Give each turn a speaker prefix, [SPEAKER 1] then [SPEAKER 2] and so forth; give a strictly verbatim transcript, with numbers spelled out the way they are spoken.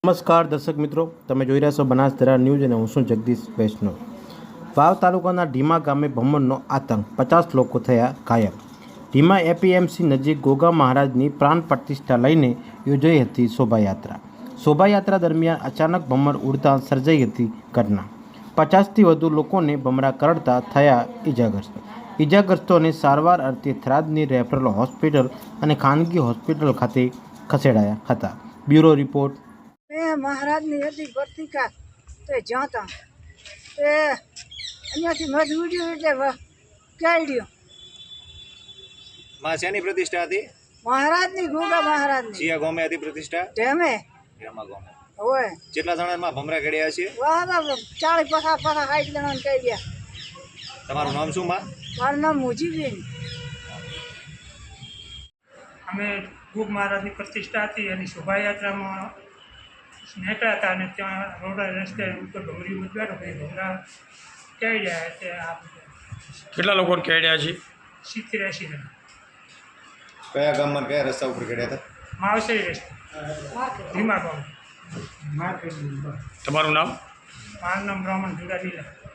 [SPEAKER 1] નમસ્કાર દર્શક મિત્રો, તમે જોઈ રહ્યા છો બનાસધારા ન્યૂઝ અને હું છું જગદીશ વૈષ્ણવ। વાવ તાલુકાના ઢીમા ગામે ભમરનો આતંક, પચાસ લોકો થયા ઘાયલ। ઢીમા એપીએમસી નજીક ગોગા મહારાજની પ્રાણ પ્રતિષ્ઠા લઈને યોજાઈ હતી શોભાયાત્રા। શોભાયાત્રા દરમિયાન અચાનક ભમર ઉડતા સર્જાઈ હતી ઘટના। પચાસથી વધુ લોકોને ભમરા કરડતા થયા ઇજાગ્રસ્ત। ઇજાગ્રસ્તોને સારવાર અર્થે થરાદની રેફરલ હોસ્પિટલ અને ખાનગી હોસ્પિટલ ખાતે ખસેડાયા હતા। Bureau report.
[SPEAKER 2] महाराज ने यदि भर्ती का तो जाता ए अन्य से मजबूरी એટલે કાઢ્યો।
[SPEAKER 3] માં શેની પ્રતિષ્ઠા હતી?
[SPEAKER 2] મહારાજ ની ગોગા મહારાજ ની
[SPEAKER 3] સિયા ગોમે હતી પ્રતિષ્ઠા?
[SPEAKER 2] તેમે
[SPEAKER 3] હેમા ગોમે।
[SPEAKER 2] ઓય
[SPEAKER 3] કેટલા જણા માં ભમરા કડ્યા છે?
[SPEAKER 2] વાહ ચાલીસ પચાસ પચાસ સાઠ જણા ને કહી ગયા।
[SPEAKER 3] તમારું નામ શું માં?
[SPEAKER 2] મારું નામ મુજીબેન।
[SPEAKER 4] અમે ગોગ મહારાજની પ્રતિષ્ઠા હતી એની શોભાયાત્રામાં નેટા હતા અને ત્યાં રોડ રસ્તે ઉપર ભમરી ઉતર્યો ભાઈ ભમરા કેળ્યા એટલે આ
[SPEAKER 5] કેટલા લોકોને કેળ્યા છે?
[SPEAKER 4] સિત્તેર એંસી જણા
[SPEAKER 3] કયા ગામમાં કયા રસ્તા ઉપર કડ્યા હતા?
[SPEAKER 4] માવસરી રસ્તે ધીમા ગામ।
[SPEAKER 5] તમારું નામ?
[SPEAKER 4] મારું નામ બ્રાહ્મણ જુડા લીલા।